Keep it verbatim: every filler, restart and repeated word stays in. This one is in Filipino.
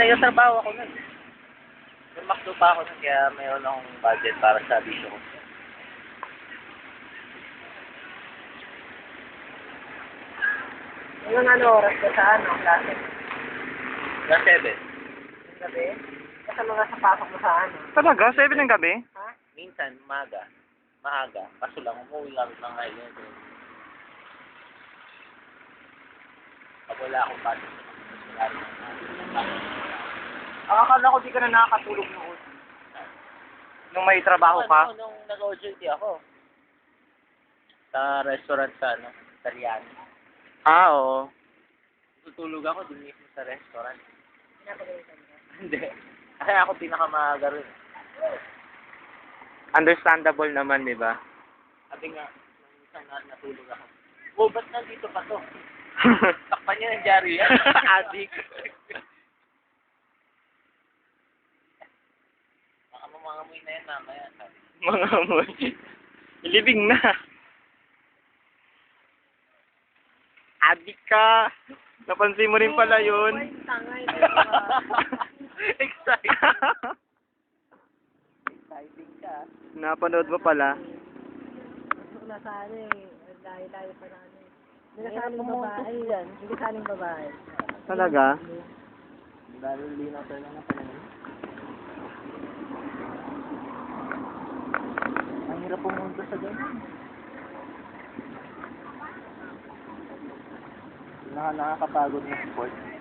nagtatrabaho ako nun. May makdo pa ako nun, kaya mayroon akong budget para sa bisyo ko. Anong ano oras ka sa ano, klase? Plus seven. Yung gabi? Kasi mga sa pasok mo sa ano? Talaga? seven ng gabi? Ha? Minsan, maga. Maaga. Kaso lang, umuwi kami ng ngayon. Pag wala akong budget, mas wala rin akong Ang akala ko di ka na nakakatulog noon. Nung may trabaho ka? Ano, nung nag-O J T ako. Sa restaurant sa, ano, Italiano. Ah, oo. Tutulog ako dun mismo sa restaurant. Pinapagalitan ka? Hindi. Kasi ako pinakamaaga rin. Understandable naman, di ba? Sabi nga, nung isang na natulog ako. Oh, ba't nandito pa to? Takpan niya ng dyaryo yan. Adik. Baka mamangamoy na yan mamaya. Sabi. Mga amoy. Living na. Adik ka. Napansin mo rin pala yun. Ay, tangay, diba? Excited. Exciting ka. Napanood mo pala. Gusto ko na sana eh. Layo-layo pa na ano eh. Hindi ka saling babae yan. Hindi ka saling babae. Talaga? Lalo linaw tayo lang na panahon. Ang hirap pumunta sa ganyan. Naka nakakapagod na sport.